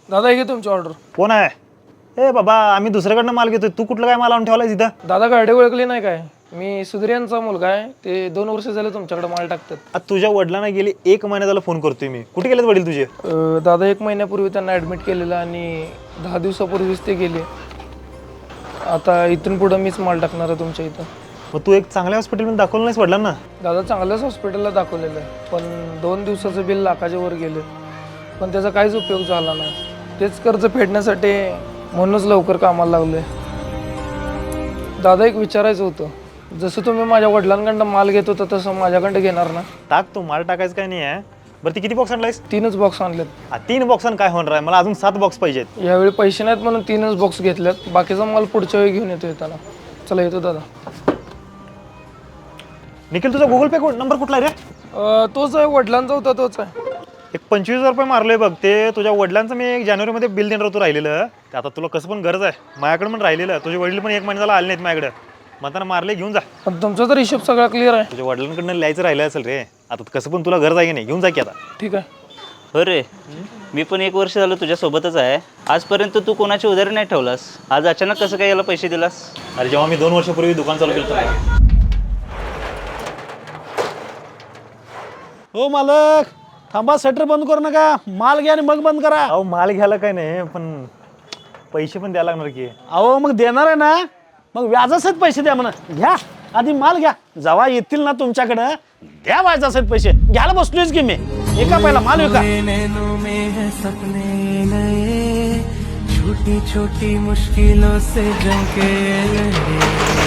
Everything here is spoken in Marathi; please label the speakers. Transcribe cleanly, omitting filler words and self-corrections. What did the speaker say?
Speaker 1: दादा हे तुमची ऑर्डर.
Speaker 2: कोण आहे? ए बाबा, आम्ही दुसऱ्याकडनं माल घेतोय, तू कुठलं काय माल आणून ठेवलाय तिथं?
Speaker 1: दादा गाडी ओळखली नाही काय? मी सुधीर यांचा मुलगा आहे. ते 2 वर्ष झाले तुमच्याकडे माल टाकतात.
Speaker 2: आता तुझ्या वडिलांना गेली 1 महिना झाला फोन करतोय मी. कुठे गेलेत वडील तुझे?
Speaker 1: दादा 1 महिन्यापूर्वी त्यांना ॲडमिट केलेलं आणि 10 दिवसापूर्वीच ते गेले. आता इथून पुढं मीच माल टाकणार आहे तुमच्या इथं.
Speaker 2: मग तू एक चांगल्या हॉस्पिटलमध्ये दाखवलं नाहीस वडिलांना?
Speaker 1: दादा चांगल्याच हॉस्पिटलला दाखवलेलं आहे, पण 2 दिवसाचं बिल लाखाच्या वर गेले, पण त्याचा काहीच उपयोग झाला नाही. तेच कर्ज फेडण्यासाठी म्हणूनच लवकर कामाला लागलोय. दादा एक विचारायचं होतं, जसं तुम्ही माझ्या वडिलांकडनं माल घेत होता तसं माझ्याकडं घेणार ना?
Speaker 2: टाक, तू माल टाकायचं काय नाही आहे. बरं, ती किती बॉक्स आणलायस?
Speaker 1: 3च बॉक्स आणलेत.
Speaker 2: 3 बॉक्सांना काय होणार आहे? मला अजून 7 बॉक्स पाहिजेत.
Speaker 1: यावेळी पैसे नाहीत म्हणून 3च बॉक्स घेतल्यात. बाकीचा माल पुढच्या वेळी घेऊन येतो येताना. चला येतो दादा.
Speaker 2: निखिल, तुझा गुगल पे नंबर कुठला आहे रे?
Speaker 1: तोच आहे, वडिलांचा होता तोच आहे.
Speaker 2: एक 25,000 रुपये मारलोय बघ. ते तुझ्या वडिलांचं मी 1 जानेवारीमध्ये बिल देणार होतो राहिलेलं. ते आता तुला कसं पण गरज आहे, माझ्याकडे पण राहिलेलं. तुझे वडील पण 1 महिना झाला आले नाहीत माझ्याकडे, म्हणताना मारले, घेऊन जा.
Speaker 1: पण तुमचा तर हिशोब सगळा क्लिअर आहे.
Speaker 2: तुझ्या वडिलांकडनं लिहायचं राहिलं असेल रे. आता कसं पण तुला गरज आहे की नाही, घेऊन जा की आता.
Speaker 1: ठीक आहे.
Speaker 3: हो रे, मी पण 1 वर्ष झालं तुझ्यासोबतच आहे. आजपर्यंत तू कोणाची उधारी नाही ठेवलास. आज अचानक कसं काय याला पैसे दिलास?
Speaker 2: अरे, जेव्हा मी 2 वर्षापूर्वी दुकान चालू केलं.
Speaker 4: हो मालक, थांबा, शटर बंद करू नका. माल घ्या आणि मग बंद करा.
Speaker 2: अहो, माल घ्यायला काय नाही, पण पैसे पण द्यायला लागणार की.
Speaker 4: अहो मग देणार आहे ना, मग व्याजासहित पैसे द्या म्हणा. घ्या, आधी माल घ्या. जेव्हा येतील ना तुमच्याकडं, द्या व्याजासहित पैसे. घ्यायला बसलोयच की मी. एका पहिला माल विका.
Speaker 5: छोटी छोटी मुश्किलों से जंग के